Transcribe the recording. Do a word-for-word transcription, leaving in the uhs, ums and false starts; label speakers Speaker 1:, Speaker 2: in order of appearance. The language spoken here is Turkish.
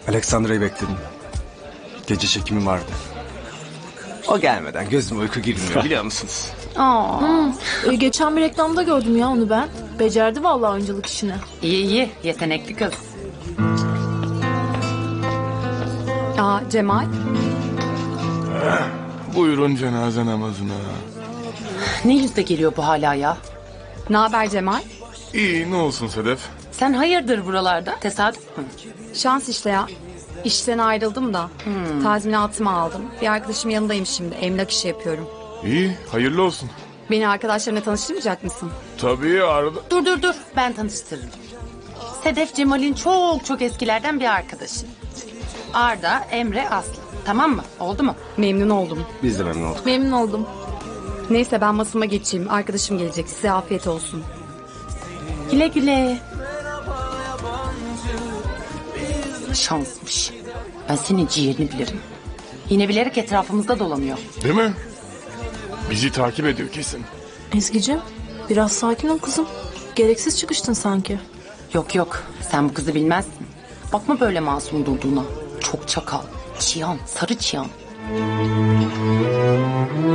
Speaker 1: Alexandra'yı bekledim. Gece çekimi vardı. O gelmeden gözüme uyku girmiyor biliyor musunuz?
Speaker 2: Aa,
Speaker 3: E, geçen bir reklamda gördüm ya onu ben. Becerdi vallahi oyunculuk işini.
Speaker 2: iyi iyi, yetenekli kız.
Speaker 4: Aa Cemal.
Speaker 5: Buyurun cenaze namazına.
Speaker 2: Ne yüzle geliyor bu hala ya?
Speaker 4: Ne haber Cemal?
Speaker 5: İyi ne olsun Sedef?
Speaker 2: Sen hayırdır buralarda? Tesadüf mü?
Speaker 4: Şans işte ya. İşten ayrıldım da. Tazminatımı aldım. Bir arkadaşım yanındayım şimdi. Emlak işi yapıyorum.
Speaker 5: İyi hayırlı olsun.
Speaker 4: Beni arkadaşlarına tanıştırmayacak mısın?
Speaker 5: Tabii arada.
Speaker 2: Dur dur dur, ben tanıştırırım. Sedef Cemal'in çok çok eskilerden bir arkadaşı. Arda, Emre, Aslı. Tamam mı? Oldu mu?
Speaker 4: Memnun oldum.
Speaker 1: Biz de memnun olduk.
Speaker 3: Memnun oldum.
Speaker 4: Neyse ben masama geçeyim. Arkadaşım gelecek. Size afiyet olsun.
Speaker 2: Güle güle. Şansmış. Ben senin ciğerini bilirim. Yine bilerek etrafımızda dolanıyor.
Speaker 5: Değil mi? Bizi takip ediyor kesin.
Speaker 3: Ezgi'cim biraz sakin ol kızım. Gereksiz çıkıştın sanki.
Speaker 2: Yok yok, sen bu kızı bilmezsin. Bakma böyle masum durduğuna. Çok çakal. Çiyan, sarı çiyan.